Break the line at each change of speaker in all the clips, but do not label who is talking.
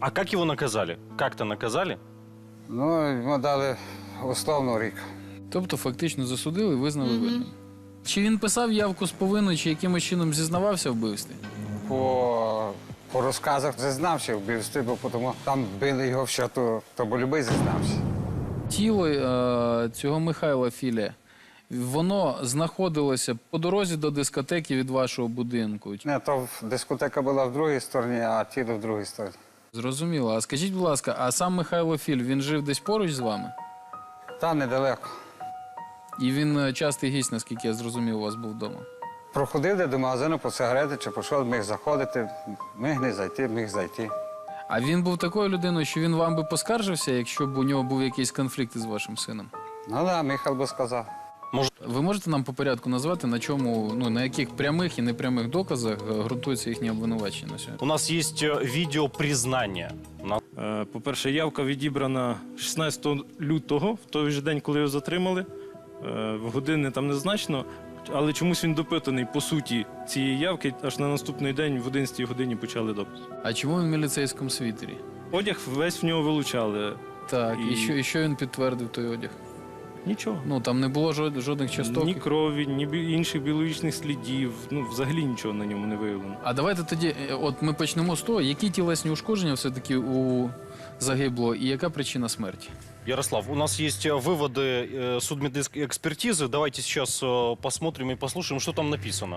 А как его наказали? Как-то наказали?
Ну, йому дали условно рік.
Тобто фактично засудили і визнали винним. Чи він писав явку з повинною, чи якимось чином зізнавався в вбивстві?
По розказах зізнався в вбивстві, бо тому там били його в щоту, то бо любий зізнався.
Тіло цього Михайла Філя, воно знаходилося по дорозі до дискотеки від вашого будинку.
Не, то дискотека була в другій стороні, а тіло в другій стороні.
Зрозуміло. А скажіть, будь ласка, а сам Михайло Філь, він жив десь поруч з вами?
Та недалеко.
І він частий гість, наскільки я зрозумів, у вас був вдома?
Проходив до магазину по сигарети, чи пішов, міг заходити, міг не зайти, міг зайти.
А він був такою людиною, що він вам би поскаржився, якщо б у нього був якийсь конфлікт із вашим сином?
Ну так, Михайло би сказав.
Ви можете нам по порядку назвати, на чому, ну, на яких прямих і непрямих доказах ґрунтується їхнє обвинувачення на сьогодні?
У нас есть видео признания.
По-перше, явка відібрана 16 лютого, в той же день, коли його затримали. В години там незначно, але чомусь він допитаний по суті цієї явки. Аж на наступний день в 11 годині почали допит.
А чому він в міліцейському світері?
Одяг весь в нього вилучали.
Так,
І-
і що він підтвердив той одяг?
Нічого.
Ну, там не було жодних часток.
Ні крові, ні інших біологічних слідів. Ну, взагалі нічого на ньому не виявлено.
А давайте тоді, от ми почнемо з того, які тілесні ушкодження все-таки у загиблого і яка причина смерті?
Ярослав, у нас есть выводы судмедэкспертизы. Давайте сейчас посмотрим и послушаем, что там написано.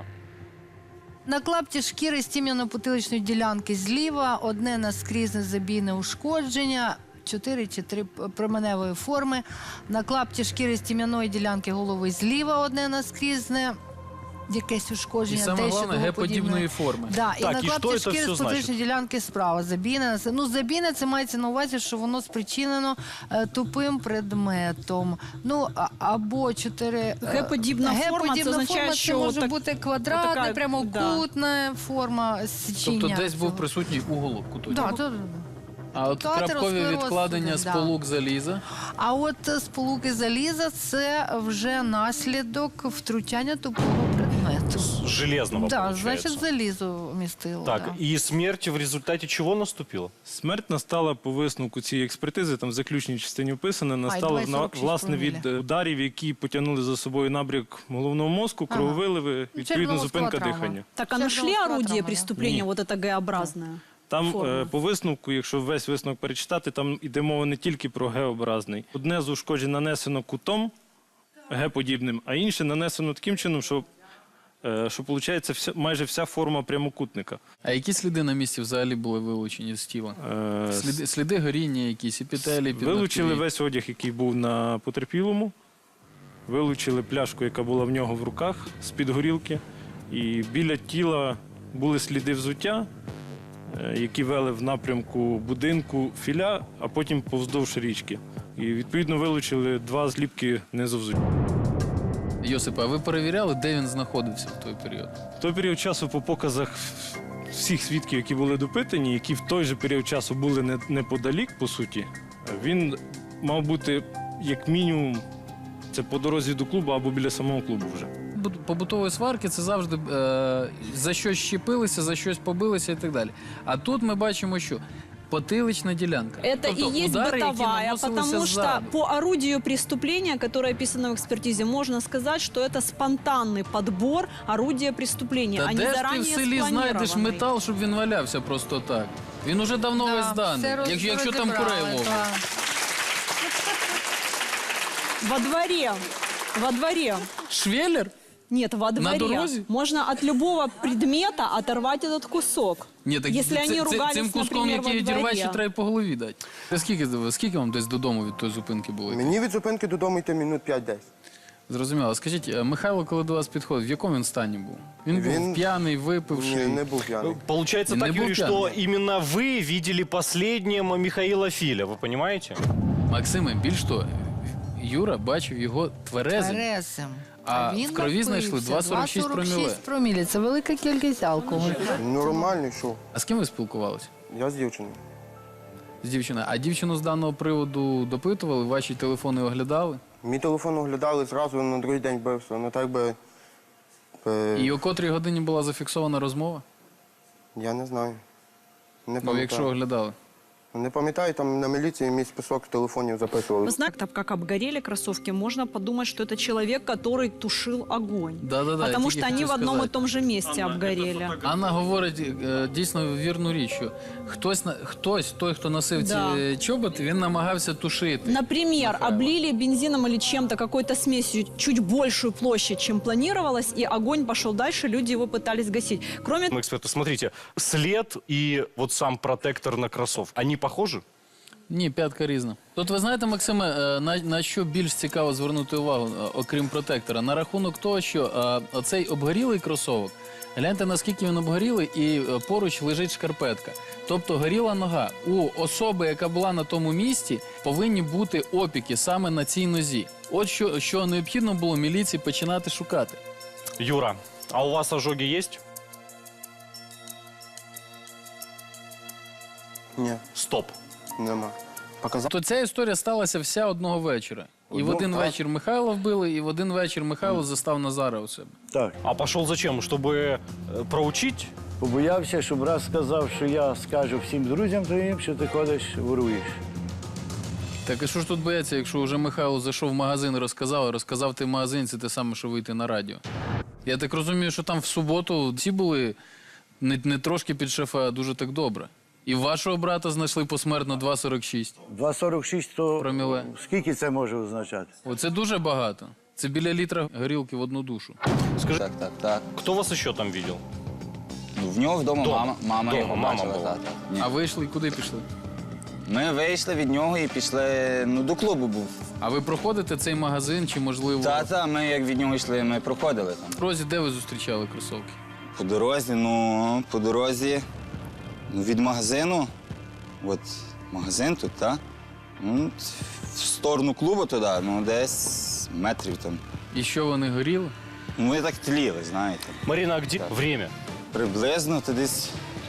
На клапті шкіри стім'яно-потиличної ділянки зліва, одне наскрізне забійне ушкодження, 4 чи 3 променевої форми. На клапті шкіри стім'яної ділянки голови зліва одне наскрізне, якесь
І
ушкодження.
саме
те,
головне,
що
геподібної форми.
Да, і
Так,
на
і що
клапті
це
шкіри
все
з потиличної ділянки справа. Забійне. Ну, забійне, це мається на увазі, що воно спричинено тупим предметом. Ну, або 4...
Геподібна форма, це означає,
це
що
може
так-
бути квадратна,
отака,
прямокутна форма січення.
Тобто десь був
цього.
присутній уголок куточок.
Да,
А от
Тобто
крапкові
атеросклероз
відкладення
сюди, да.
сполук заліза.
А от сполуки заліза – це вже наслідок втручання тупого предмету.
Железного,
Да,
получается.
значить, залізо вмістило.
Так,
да.
и смерть в результате чего наступила?
Смерть настала по висновку цієї експертизи, там в заключній частині описано, настала
2,46
власне від
проміля.
ударів, які потягнули за собою набряк головного мозку, крововиливи, відповідно зупинка
черепно-мозкова травма.
дихання.
Так, а нашли
Черепно-мозговая
орудие
травма, да.
преступления,
Ні.
вот это Г-образное?
Там
Форма.
по висновку, якщо весь висновок перечитати, там йде мова не тільки про Г-образний. Одне з ушкоджень нанесено кутом Г-подібним, а інше нанесено таким чином, що виходить майже вся форма прямокутника.
А які сліди на місці взагалі були вилучені з тіла?
Е,
Сліди горіння якісь, епітелії,
Вилучили
підногтєві?
весь одяг, який був на потерпілому, вилучили пляшку, яка була в нього в руках з-під горілки, і біля тіла були сліди взуття, які вели в напрямку будинку Філя, а потім повздовж річки. І відповідно вилучили 2 зліпки низовзуття.
Йосипе, а ви перевіряли, де він знаходився в той період?
В той період часу по показах всіх свідків, які були допитані, які в той же період часу були неподалік, по суті, він мав бути як мінімум це по дорозі до клубу або біля самого клубу вже.
Побутові сварки – це завжди за щось щепилися, за щось побилися і так далі. А тут ми бачимо, що потилична ділянка.
Это
Тобто
и есть
удари, які
бытовая,
наносилися
потому что
ззаду.
по орудию преступления, которое описано в экспертизе, можно сказать, что это спонтанный подбор орудия преступления,
Та
а не
де ж ти в
заранее
селі знайдеш
спланированный.
метал, щоб він валявся просто так? Він уже давно
Да,
весь зданий,
все
якщо там курей
розібрали,
ловить.
да.
Во дворе.
Швеллер?
Нет, во дворе.
дорозе?
Можно от любого предмета оторвать этот кусок.
Ні, так
Если они ругались,
цим куском,
например, во
який відірвати, ще
дворе.
треба по голові дати. Скільки вам десь додому від тої зупинки було?
Мені від зупинки додому йти минут 5-10.
Зрозуміло. Скажіть, Михайло, коли до вас підходив, в якому він стані був? Він був п'яний, випивший?
Ні, не був п'яний.
Получается
Не
так,
был
Юрий, что
пьяный.
именно вы видели последним Михаила Филя, вы понимаете?
Максиме, більш того, Юра бачив його тверезим.
Терезим.
А
він
в крові знайшли
напився.
2,46 проміле.
2,46 проміле. Це велика кількість алкоголю.
Нормальний, що?
А з ким ви спілкувалися?
Я з дівчиною.
З дівчиною. А дівчину з даного приводу допитували, ваші телефони оглядали?
Мій телефон оглядали зразу на другий день бився. Ну так би.
І о котрій годині була зафіксована розмова?
Я не знаю. Не
Ну,
пам'ятаю.
якщо оглядали.
Не пам'ятаю, там на міліції мій список телефонів записували.
Вы знаете, так как обгорели кроссовки, можно подумать, что это человек, который тушил огонь.
Да-да-да,
Потому
я
что
тільки
они
хотів
в одном и
сказати.
том же месте обгорели.
Анна говорить дійсно вірну річ, що хтось, той, хто носив
Да.
ці чоботи, він намагався тушити.
Например, облили бензином или чем-то, какой-то смесью чуть большую площадь, чем планировалось, и огонь пошел дальше, люди его пытались гасить. Кроме
Эксперты, смотрите, след и вот сам протектор на кроссовках, они похожи?
Ні, п'ятка різна. Тут ви знаєте, Максиме, на що більш цікаво звернути увагу, окрім протектора? На рахунок того, що оцей обгорілий кросовок, гляньте, наскільки він обгорілий, і поруч лежить шкарпетка. Тобто горіла нога. У особи, яка була на тому місці, повинні бути опіки саме на цій нозі. От що необхідно було міліції починати шукати.
Юра, а у вас ожоги есть?
Ні,
Стоп.
нема. Показав.
То ця історія сталася вся одного вечора. І в один вечір Михайла вбили, і в один вечір Михайло застав Назара у себе.
Так.
А пошел зачем? Чтобы проучить?
Побоявся, щоб раз сказав, що я скажу всім друзям твоїм, що ти ходиш, воруєш.
Так і що ж тут бояться, якщо вже Михайло зайшов в магазин і розказав ти в магазин, це те саме, що вийти на радіо. Я так розумію, що там в суботу всі були не трошки під шефа, а дуже так добре. І вашого брата знайшли посмертно 2,46
2,46 то
проміле.
скільки це може означати?
Оце дуже багато. Це біля літра горілки в одну душу.
Скажи,
Так.
кто вас еще там видел?
Ну, в нього вдома
Дома.
мама
Дома,
його
мама
бачила.
була.
Так. Ні.
А вийшли і куди пішли?
Ми вийшли від нього і пішли, до клубу був.
А ви проходите цей магазин чи, можливо,
Та, ми як від нього йшли, ми проходили там.
в розі, де ви зустрічали кросовки?
По дорозі, від магазину, от магазин тут, так? В сторону клубу туди, десь метрів там.
І що, вони горіли?
Ми так тліли, знаєте.
Марина, а где время?
Приблизно то десь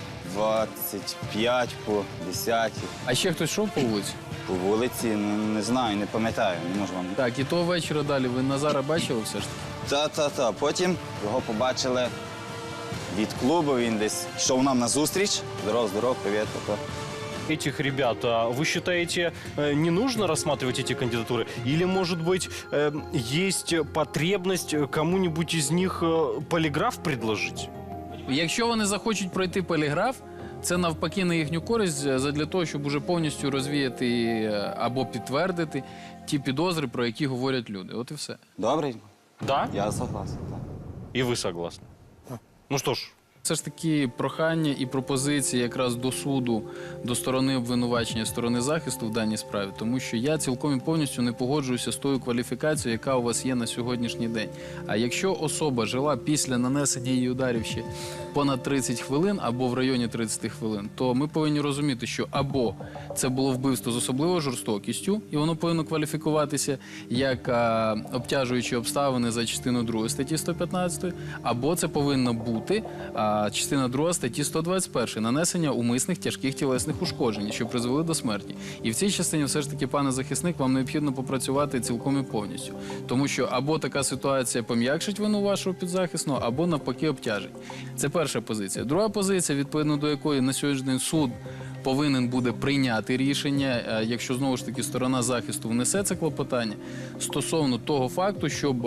25 по 10
А ще хтось йшов по вулиці?
по вулиці, не знаю, не пам'ятаю, не можу вам.
Так, і того вечора далі ви Назара бачили все ж таки?
Та. Потім його побачили від клубу, він десь йшов нам на зустріч. Здоров, привіт.
Этих ребят, вы считаете, не нужно рассматривать эти кандидатуры? Или, может быть, есть потребность кому-нибудь из них полиграф предложить?
Якщо вони захочуть пройти поліграф, це навпаки на їхню користь задля того, щоб уже повністю розвіяти або підтвердити ті підозри, про які говорять люди. От і все.
Добре,
Да?
я согласен. Так.
И вы согласны? Ну что ж,
Це ж таки прохання і пропозиції якраз до суду, до сторони обвинувачення, сторони захисту в даній справі, тому що я цілком і повністю не погоджуюся з тою кваліфікацією, яка у вас є на сьогоднішній день. А якщо особа жила після нанесення її ударів ще понад 30 хвилин або в районі 30 хвилин, то ми повинні розуміти, що або це було вбивство з особливою жорстокістю, і воно повинно кваліфікуватися як обтяжуючі обставини за частиною 2 статті 115, або це повинно бути частина 2 статті 121 нанесення умисних тяжких тілесних ушкоджень, що призвели до смерті. І в цій частині все ж таки, пане захисник, вам необхідно попрацювати цілком і повністю. Тому що або така ситуація пом'якшить вину вашого підзахисного, або навпаки обтяжить. Це перша позиція. Друга позиція, відповідно до якої на сьогоднішній день суд повинен буде прийняти рішення, якщо знову ж таки сторона захисту внесе це клопотання, стосовно того факту, щоб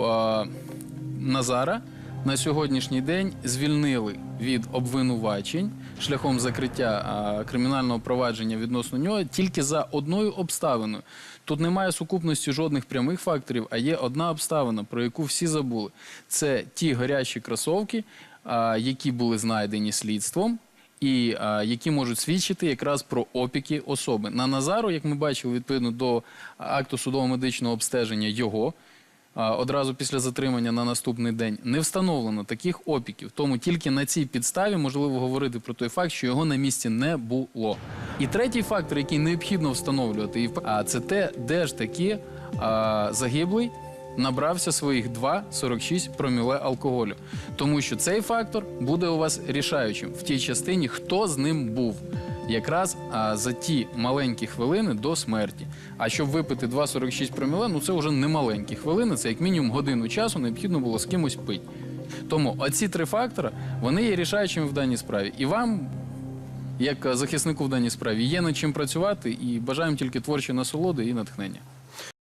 Назара на сьогоднішній день звільнили від обвинувачень шляхом закриття кримінального провадження відносно нього тільки за одною обставиною. Тут немає сукупності жодних прямих факторів, а є одна обставина, про яку всі забули. Це ті гарячі кросовки, які були знайдені слідством, і які можуть свідчити якраз про опіки особи. На Назару, як ми бачили, відповідно до акту судово-медичного обстеження його, одразу після затримання на наступний день, не встановлено таких опіків. Тому тільки на цій підставі можливо говорити про той факт, що його на місці не було. І третій фактор, який необхідно встановлювати, це те, де ж таки загиблий набрався своїх 2,46 проміле алкоголю. Тому що цей фактор буде у вас рішаючим в тій частині, хто з ним був. Якраз за ті маленькі хвилини до смерті. А щоб випити 2,46 проміле, це вже не маленькі хвилини, це як мінімум годину часу необхідно було з кимось пити. Тому оці три фактори, вони є рішаючими в даній справі. І вам, як захиснику в даній справі. Є над чим працювати і бажаємо тільки творчої насолоди і натхнення.